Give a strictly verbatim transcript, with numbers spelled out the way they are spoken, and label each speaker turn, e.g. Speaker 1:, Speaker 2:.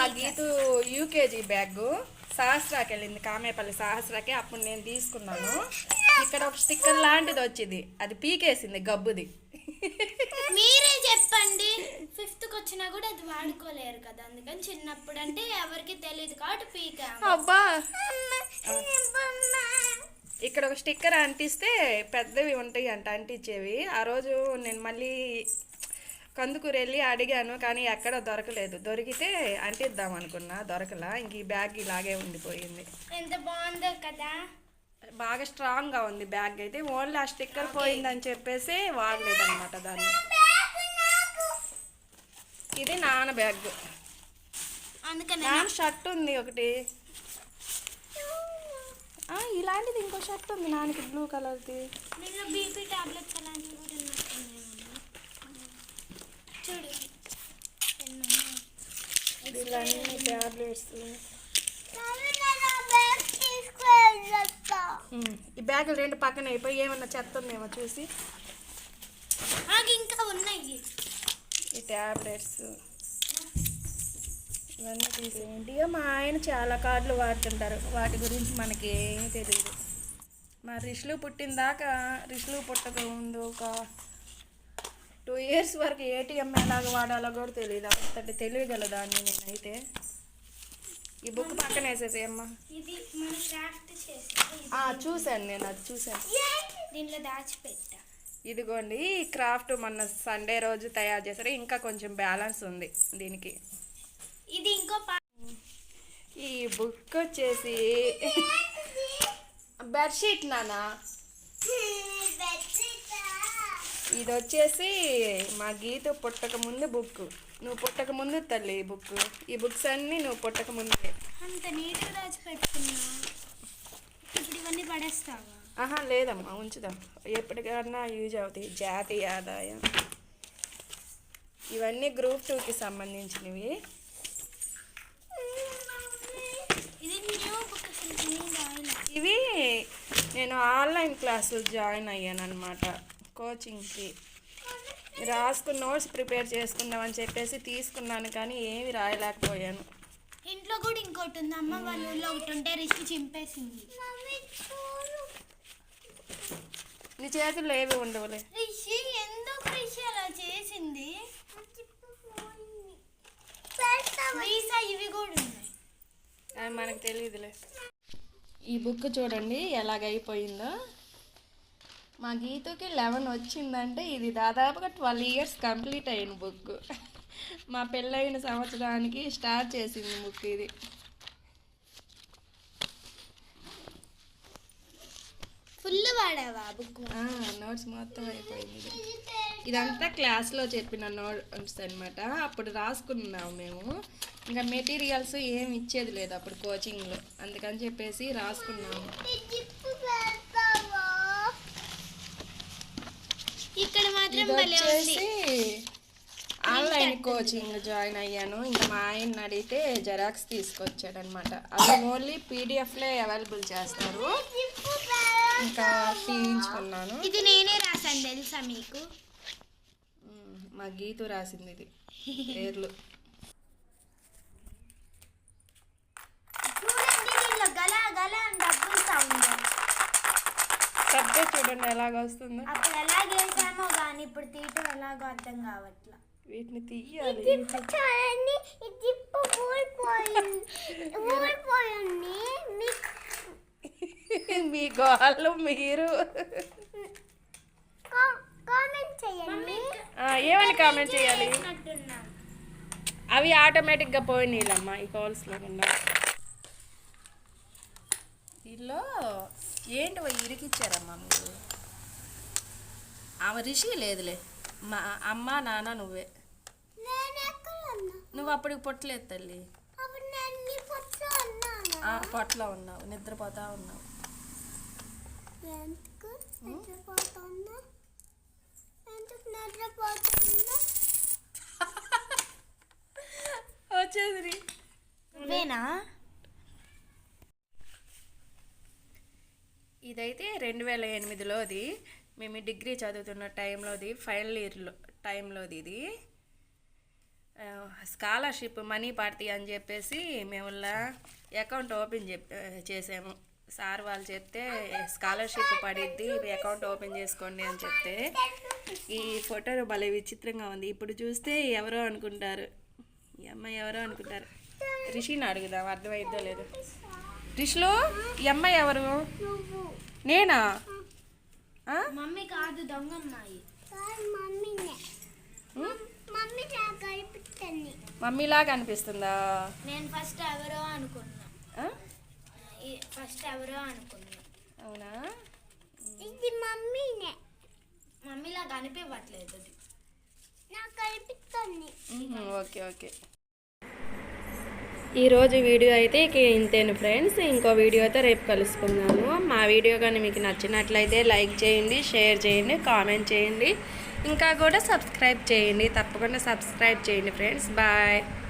Speaker 1: మా Geethu UKG bag సహస్రాకి వెళ్ళింది, కామేపల్లి సహస్రాకి. అప్పుడు నేను తీసుకున్నాను. ఇక్కడ ఒక స్టిక్కర్ లాంటిది వచ్చింది, అది పీకేసింది గబ్బుది.
Speaker 2: మీరే చెప్పండి, ఫిఫ్త్కి వచ్చినా కూడా అది వాడుకోలేరు కదా, అందుకని చిన్నప్పుడు అంటే ఎవరికి తెలియదు కాబట్టి పీకా.
Speaker 1: అబ్బా, ఇక్కడ ఒక స్టిక్కర్ అంటిస్తే పెద్దవి ఉంటాయి అంట అంటించేవి. ఆ రోజు నేను మళ్ళీ కందుకూరు వెళ్ళి అడిగాను, కానీ ఎక్కడ దొరకలేదు. దొరికితే అంటిద్దాం అనుకున్నా, దొరకలా. ఇంక ఈ బ్యాగ్ ఇలాగే ఉండిపోయింది.
Speaker 2: ఎంత బాగుందో కదా,
Speaker 1: బాగా స్ట్రాంగ్గా ఉంది బ్యాగ్ అయితే. ఓన్లీ ఆ స్టిక్కర్ పోయిందని చెప్పేసి వాడలేదన్నమాట దాన్ని. ఇది నాన్న బ్యాగ్. నాన్న షర్ట్ ఉంది ఒకటి, ఇలాంటిది ఇంకో షర్ట్ ఉంది నాన్నకి, బ్లూ కలర్ది.
Speaker 2: బీపీ టాబ్లెట్స్ అలాంటివి కూడా చూడు,
Speaker 1: ఇలాంటి టాబ్లెట్స్. ఈ బ్యాగులు రెండు పక్కన అయిపోయి ఏమన్నా చెత్త ఉందేమో చూసి.
Speaker 2: ఇంకా ఉన్నాయి
Speaker 1: ఈ టాబ్లెట్స్ ఇవన్నీ తీసేయండి. మా ఆయన చాలా కార్డులు వాడుతుంటారు, వాటి గురించి మనకి ఏమీ తెలియదు. మా రిషులు పుట్టిన దాకా, రిషులు పుట్టక ముందు ఒక టూ ఇయర్స్ వరకు ఏటీఎం ఎలాగ వాడాలో కూడా తెలియదు. అంతటి తెలియగలదాన్ని నేనైతే. ఈ బుక్ పక్కన వేసేసేయమ్మా. చూశాను నేను, అది చూశాను.
Speaker 2: దీంట్లో దాచిపెట్టా.
Speaker 1: ఇదిగోండి, ఈ క్రాఫ్ట్ మొన్న సండే రోజు తయారు చేశారు. ఇంకా కొంచెం బ్యాలెన్స్ ఉంది దీనికి.
Speaker 2: ఇది ఇంకో
Speaker 1: ఈ బుక్ వచ్చేసి బెడ్షీట్ నానా. ఇది వచ్చేసి మా గీత పుట్టక ముందు బుక్. నువ్వు పుట్టక ముందు తల్లి ఈ బుక్. ఈ బుక్స్ అన్నీ నువ్వు పుట్టక ముందే.
Speaker 2: అంత నీట్గా దాచిపెట్టుకున్నా. ఇప్పుడు ఇవన్నీ పడేస్తావా?
Speaker 1: ఆహా లేదమ్మా, ఉంచుదాం, ఎప్పటికన్నా యూజ్ అవుతాయి. జాతీయ ఆదాయం. ఇవన్నీ గ్రూప్ టూకి సంబంధించినవి. ఇవి నేను ఆన్లైన్ క్లాసులు జాయిన్ అయ్యాను అనమాట, కోచింగ్కి. రాసుకున్న నోట్స్ ప్రిపేర్ చేసుకుందామని చెప్పేసి తీసుకున్నాను, కానీ ఏమి రాయలేకపోయాను.
Speaker 2: ఇంట్లో కూడా ఇంకోటి ఉంది, అమ్మ వాళ్ళ ఊళ్ళో ఒకటి ఉంటే రిషి చింపేసింది.
Speaker 1: నీ చేతుల్లో ఏవి ఉండవులే.
Speaker 2: రిషి ఎందుకు రిషి అలా చేసింది? ఇవి కూడా ఉన్నాయి,
Speaker 1: అవి మనకు తెలియదులే. ఈ బుక్ చూడండి ఎలాగైపోయిందో. మా గీతకి లెవెన్ వచ్చిందంటే ఇది దాదాపుగా ట్వెల్వ్ ఇయర్స్ కంప్లీట్ అయిన బుక్. మా పెళ్ళైన సంవత్సరానికి స్టార్ట్ చేసింది బుక్ ఇది.
Speaker 2: Full వాడావా book?
Speaker 1: నోట్స్ మొత్తం అయిపోయింది. ఇదంతా క్లాస్లో చెప్పిన నోట్స్ అనమాట. అప్పుడు రాసుకున్నాము మేము. ఇంకా మెటీరియల్స్ ఏమి ఇచ్చేది లేదు అప్పుడు కోచింగ్లో, అందుకని చెప్పేసి రాసుకున్నాము.
Speaker 2: ఇక్కడ మాత్రం
Speaker 1: వచ్చేసి ఆన్లైన్ కోచింగ్ జాయిన్ అయ్యాను. ఇంకా మా ఆయన అడిగితే జెరాక్స్ తీసుకొచ్చాడు అనమాట. అవి ఓన్లీ పీడిఎఫ్లే అవైలబుల్ చేస్తారు, ఇంకా తీయించుకున్నాను.
Speaker 2: ఇది నేనే రాశాను తెలుసా మీకు?
Speaker 1: మా గీతు రాసింది ఇది పేర్లు. సబ్జెక్ట్ చూడండి ఎలాగ వస్తుందో.
Speaker 2: అప్పుడు ఎలాగేసామో కానీ ఇప్పుడు తీయటం ఎలాగో అర్థం కావట్లా.
Speaker 1: వీటిని తీయాలి. మీ గోళ్ళు మీరు ఏమని కామెంట్ చేయాలి? అవి ఆటోమేటిక్గా పోయినాయిలమ్మా ఈ కాల్స్లో ఉన్నా. వీళ్ళు ఏంటి ఇరికిచ్చారమ్మా మీరు? ఆమె రిషి లేదులే, మా అమ్మ నాన్న నువ్వే. నువ్వు అప్పటికి పొట్టలేదు తల్లి, పొట్టలో ఉన్నావు, నిద్రపోతా ఉన్నావు. వచ్చేది
Speaker 2: నువ్వేనా?
Speaker 1: ఇదైతే రెండు వేల ఎనిమిదిలోది, మేము డిగ్రీ చదువుతున్న టైంలోది, ఫైనల్ ఇయర్లో టైంలోది ఇది. స్కాలర్షిప్ మనీ పడతాయి అని చెప్పేసి మేము అకౌంట్ ఓపెన్ చెప్ చేసాము. సార్ వాళ్ళు చెప్తే స్కాలర్షిప్ పడిద్ది, అకౌంట్ ఓపెన్ చేసుకోండి అని చెప్తే ఈ ఫోటో భలే విచిత్రంగా ఉంది. ఇప్పుడు చూస్తే ఎవరో అనుకుంటారు, ఈ అమ్మాయి ఎవరో అనుకుంటారు. రిషిని అడుగుదాం అర్థమైద్దో లేదు. రిషిలో ఈ అమ్మాయి ఎవరు? నేనా?
Speaker 2: మమ్మీ కాదు, దొంగమ్మాయి.
Speaker 1: మమ్మీలాగా అనిపిస్తుందా?
Speaker 2: నేను ఫస్ట్ ఎవరో అనుకున్నా, ఫస్ట్ ఎవరో అనుకున్నా.
Speaker 1: అవునా?
Speaker 2: ఇది మమ్మీనే. మమ్మీలాగా అనిపించట్లేదు, నాకు అనిపిస్తుంది.
Speaker 1: Okay okay. ఈరోజు వీడియో అయితే ఇక ఇంతేను ఫ్రెండ్స్. ఇంకో వీడియోతో రేపు కలుసుకుందాము. మా వీడియో కానీ మీకు నచ్చినట్లయితే లైక్ చేయండి, షేర్ చేయండి, కామెంట్ చేయండి, ఇంకా కూడా సబ్స్క్రైబ్ చేయండి. తప్పకుండా సబ్స్క్రైబ్ చేయండి ఫ్రెండ్స్. బాయ్.